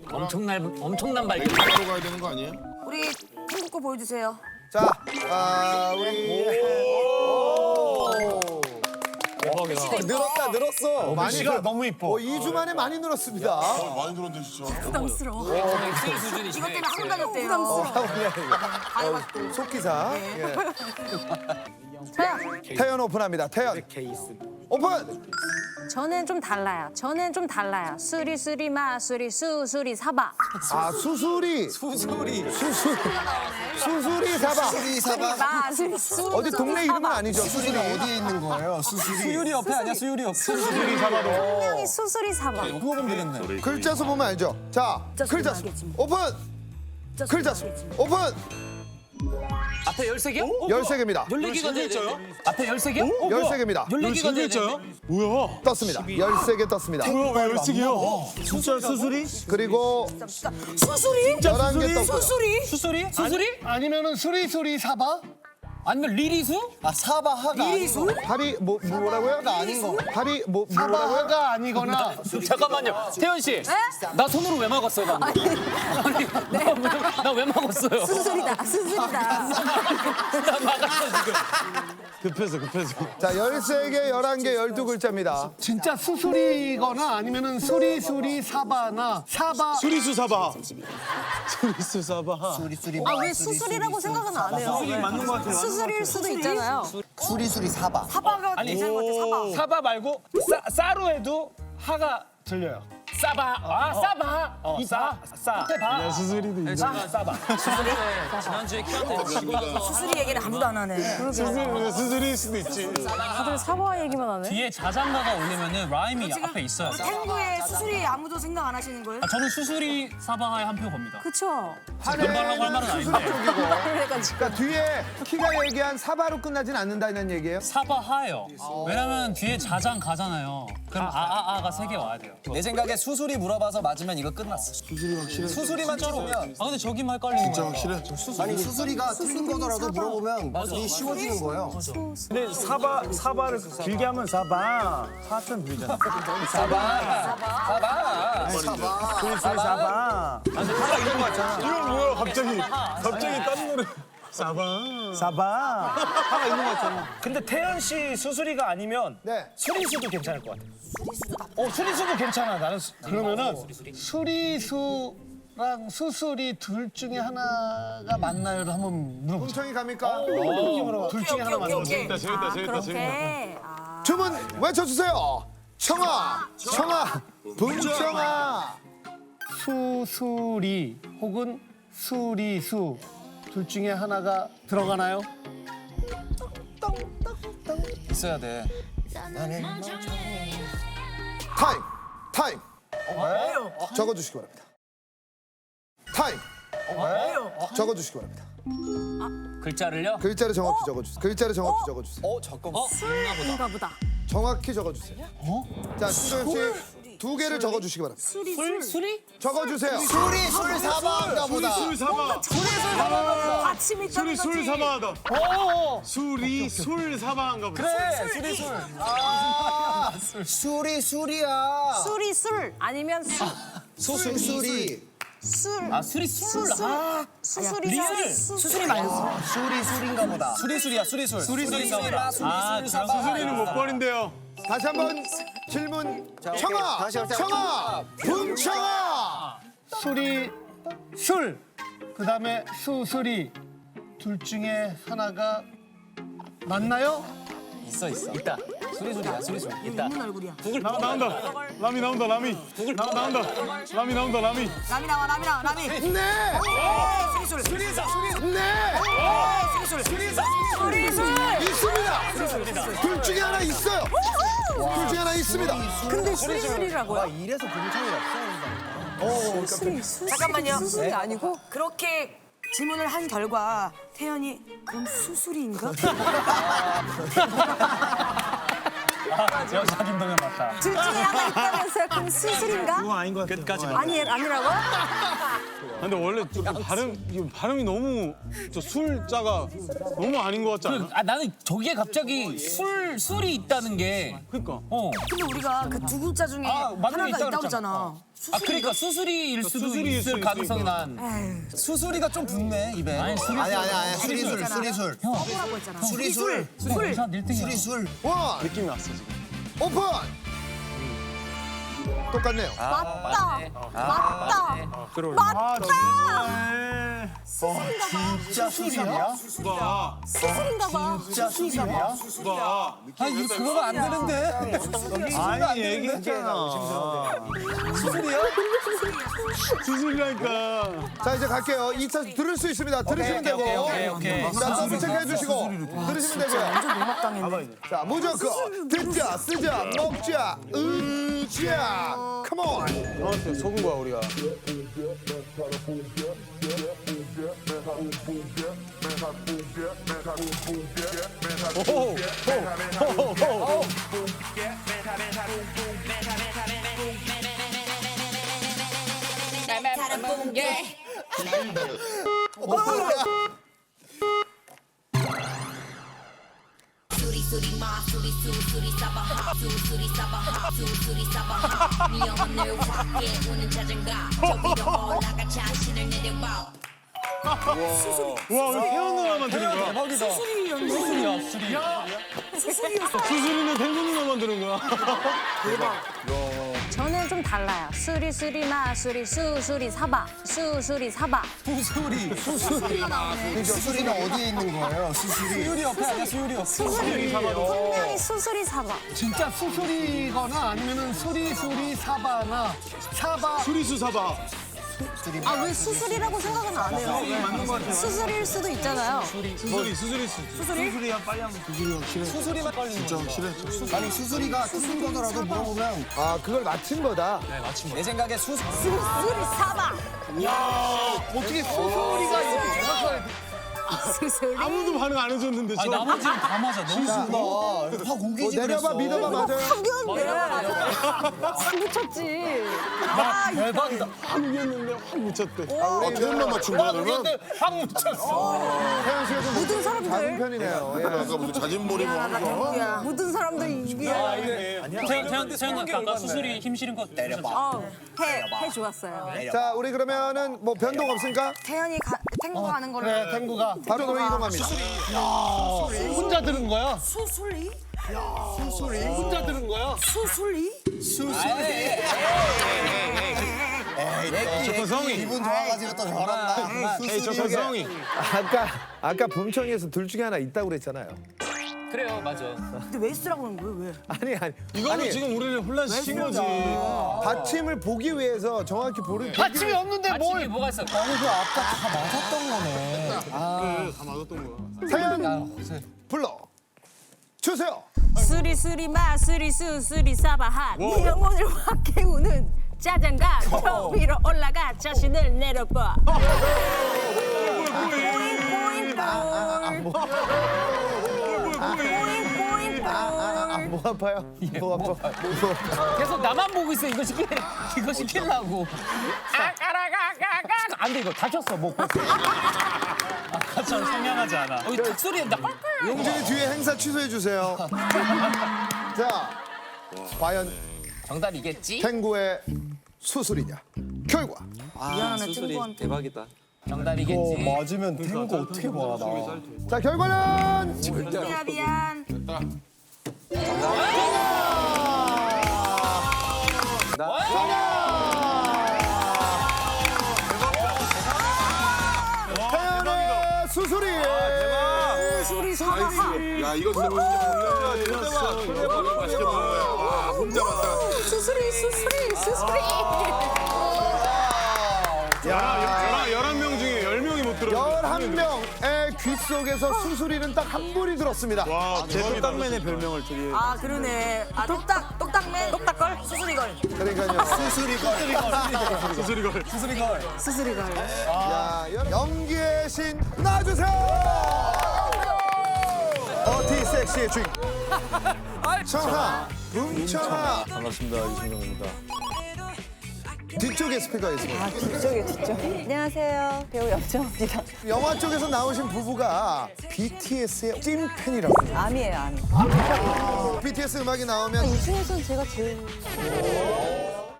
엄청난 발견. 바로 가야 되는 거 아니에요? 우리 한국 거 보여주세요. 자, 우리 늘었어. 많이 너무 이뻐. 2주 만에 많이 늘었습니다. 많이 들었는데 진짜. 부담스러워. 수준이시네. 이것 때문에 학원 다녔대요. 부담스러워. 속기사. 태연 오픈합니다. 태연. 오픈. 저는 좀 달라요. 수리 마수리 수수리 사바. 아, 수수리 사바. 마수리 수. 어디 동네 이름은 아니죠? 수술이 어디에 있는 거예요? 수율이 옆에 아니야? 수율이 옆에. 분명히 수수리 사바. 그거 보면 되겠네. 글자 수 보면 알죠? 자, 글자 수 오픈. 글자 수 오픈. 앞에 13개? 13개입니다. 14개가 돼요. 앞에 13개? 13개입니다. 14개가 돼요. 뭐야? 떴습니다. 13개 떴습니다. 뭐야 왜 13개야? 진짜 수술이? 그리고 수술이? 11개 떴고요. 수술이? 수술이? 아니면은 수리 사바? 아니면 리리수? 아 사바하가 리리수? 팔이 뭐라고요? 아닌 거. 팔이 뭐라고요? 사바하가 아니거나 잠깐만요. 태연 씨. 나 손으로 왜 막았어요, 방금? 아니, 나 왜 막았어요? 수술이다. 나 막았어, 지금. 급해서. 자, 13개, 11개, 12글자입니다. 진짜 수술이거나 아니면은 수리 사바나 사바 수리수 사바. 수리수 사바. 아 왜 수술이라고 생각은 안 해요? 수술이 맞는 것 같아요. 수술일 수도 있잖아요. 수리 사바. 사바가 괜찮은 것 같아, 사바. 사바 말고 싸로 해도 하가 들려요. 싸바. 아, 싸바. 싸. 바. 수술이도 있네. 싸바. 지난주에 키한테 수술이 얘기는 아무도 안 하네. 수술일 수도 있지. 다들 사바 얘기만 하네. 뒤에 자장가가 올리면은 라임이 앞에 있어요. 탱구에 수술이 아무도 생각 안 하시는 거예요? 저는 수술이 사바하에 한 표 겁니다. 그쵸? 금발라고 할 말은 아닌데. 그러니까 뒤에 키가 얘기한 사바로 끝나진 않는다는 얘기예요? 사바하예요. 왜냐면 뒤에 자장 가잖아요. 그럼 아가 3개 와야 돼요. 내 생각에 수술이 물어봐서 맞으면 이거 끝났어. 수술이 확실해. 수술이만 쩌면 아 근데 저기만 헷갈리는 진짜 거야. 확실해. 아니 수술이가 틀린 거더라도 물어보면 이 쉬워지는 거예요. 근데 사바를 길게 하면 사바. 사천 들리잖아. 수리수 사바. 이건 뭐야 갑자기 다른 노래. 사바. 하가 있는 거 같잖아. 근데 태연 씨 수술이가 아니면 네. 수리수도 괜찮을 것 같아. 수리수도 괜찮아. 나는 그러면은 수리수랑 수술이 둘 중에 하나가 맞나요를 한번 물어보자. 홍청이 갑니까? 둘 중에 하나 맞는 거지. 재밌다. 그렇게. 주문 외쳐주세요. 청아, 붕청아. 수술이 혹은 수리수 둘 중에 하나가 들어가나요? 있어야 돼. 타임. 적어주시기 바랍니다. 타임. 적어주시기 바랍니다. 글자를요? 글자를 정확히 적어주세요. 잠깐만. 인가 보다. 정확히 적어주세요. 자, 신도엽 씨 2개를 적어주시기 바랍니다. 수리? 적어주세요. 술 사바인가 보다. 술 사바. 아침 있다는 거지. 술 사바하다. 술이 술 사바한가 보다. 그래, 수리술. 술이야. 술이 술 아니면 수술이. 술. 아 수리 술. 수술이 수술이 말고. 술인가 보다. 수리술이야, 수리술. 수리술인가 보다. 아, 수술이는 못 버린대요. 다시 한번 질문. 청아, 붕청아. 술. 그다음에 수술이 둘 중에 하나가 맞나요? 있어. 있다. 수리술이야, 수리술. 있다. 웃는 얼굴이야. 나온다. 라미 나온다. 라미. 나온다. 라미 나온다. 라미. 라미 나와, 라미. 네. 수리술. 네. 수리술. 있습니다. 둘 중에 하나 있어요. 둘 중에 하나 있습니다. 근데 수리술이라고요? 이래서 붕청이 없어. 잠깐만요. 수술이 아니고? 그렇게 질문을 한 결과 태연이 그럼 수술인가? 여자 김동현 맞다. 둘 중에 하나 있다면서요? 그럼 수술인가? 그건 아닌 것 같아요. 끝까지 아니라고? 근데 원래 발음이 너무 저 술자가 너무 아닌 것 같지 않아? 나는 저기에 갑자기 술이 있다는 게. 그러니까. 근데 우리가 그 두 글자 중에 맞는 게 하나가 있다고 있다고 그랬잖아. 그랬잖아. 그러니까 수술이일 수도 수술이일 있을 수도 가능성이 있으니까. 난. 수술이가 좀 붙네 입에. 아니 수리. 아니야. 수리술. 서브라고 했잖아. 수리술. 수리술. 원. 느낌이 왔어 지금. 오픈. 똑같네요. 맞다. 진짜 수술이야? 수술인가 봐. 진짜 수술이야? 아 이거 그거가 안 되는데. 아니 얘기했잖아. 수술이야? 수술이라니까. 자 이제 갈게요. 2차 들을 수 있습니다. 들으시면 되고. 오케이. 자 더블 체크해 주시고 들으시면 되고요. 자 무조건 듣자, 쓰자, 먹자, 으자. 컴온. 너한테 속은 거야 우리가. 와 우리 태연 누나만 들은 거야. 대박이다. 수술이야. 수술이는 태연 누나만 들은 거야. 저는 좀 달라요. 수리마 수리 사바 수술이가 나오네. 수술이는 어디에 있는 거예요? 수술이. 수율이 옆에 아니야 수율이 옆에. 분명히 수술이 사바. 진짜 수술이거나 아니면은 수리 사바나 사바. 수리수 사봐. 아 왜 수술이라고 생각은 안 해요? 수술일 수도 있잖아요. 수술이야 빨리 하면 수술이만 걸리는 거지. 아니 수술이가 틀린 거더라도 물어보면 아 그걸 맞힌 거다. 내 생각에 수술이 수리 사바. 어떻게 수술이가 이렇게 정확하게 수술이. 아무도 반응 안 해줬는데 아니 저. 나머지는 다 맞아. 너무 다 뭐 공개지 내려봐 믿어봐 맞아요. 확 붙였지. 아, 대박이다. 한국이었는데 확 묻혔대. 태연만 맞춘 거야 그러면? 확 묻혔어. 태연 씨가 좀 모든 사람들. 작은 편이네요. 예. 아까 무슨 자진몰이 뭐 하는 거? 누구야? 모든 사람들 이기야. 태연 아까 수술이 힘 실은 거 내려봐. 해 좋았어요. 자 우리 그러면은 뭐 변동 없습니까? 태연이 탱고 가는 걸로. 그래 탱구가 바로 이동합니다. 혼자 들은 거야? 수술이? 혼자 들은 거야? 수술이? 저 성이. 기분 좋아가지고 또 저런다. 에이 저 성이. 아까 범청이에서 둘 중에 하나 있다고 그랬잖아요. 그래요, 맞아. 근데 왜 쓰라고 하는 거예요? 왜? 아니 이거는 지금 우리를 혼란시킨 거지. 받침을 보기 위해서 정확히 보기 받침이 없는데 아침이 뭘? 뭐가 있어? 그 아까 다 맞았던 거네. 그래 다 맞았던 거야. 사연 불러 주세요. 수리마 수리 사바하 네 영혼을 확 깨우는 짜장가 저 위로 올라가 자신을 내려봐. 뭐 아파요? 뭐 아파? 계속 나만 보고 있어. 이거 시키려고. 안 돼, 이거 다쳤어, 목. 아까처럼 선명하지 않아. 닭소리 나. 용진이 뒤에 행사 취소해 주세요. 자, 과연 정답이겠지? 탱고의 수술이냐? 결과 미안하네 친구한테. 대박이다. 정답이겠지. 맞으면 탱구 어떻게 봐 나. 자 결과는 미안. 태연의 수술이. 수리 사바하 야 이거 진짜 맛있게 먹는 거야. 와 혼자 맞다. 수술이. 야 11명 중에 10명이 못 들어. 11명의 귀 속에서 수술이는 딱 한 분이 들었습니다. 와 제 대박이다. 똑딱맨의 별명을 드리. 아 그러네. 아 똑딱맨 똑딱걸 수술이걸 그러니까요. 수술이걸. 자, 연기의 신 나와주세요. 어티 섹시의 주인 청하, 음청하. 반갑습니다. 이승경입니다. 뒤쪽에 스피커가 있습니다. 뒤쪽. 안녕하세요. 배우 염정입니다. 영화 쪽에서 나오신 부부가 BTS의 찐팬이라고. 암이에요, 암. BTS 음악이 나오면 이 중에서는 제가 제일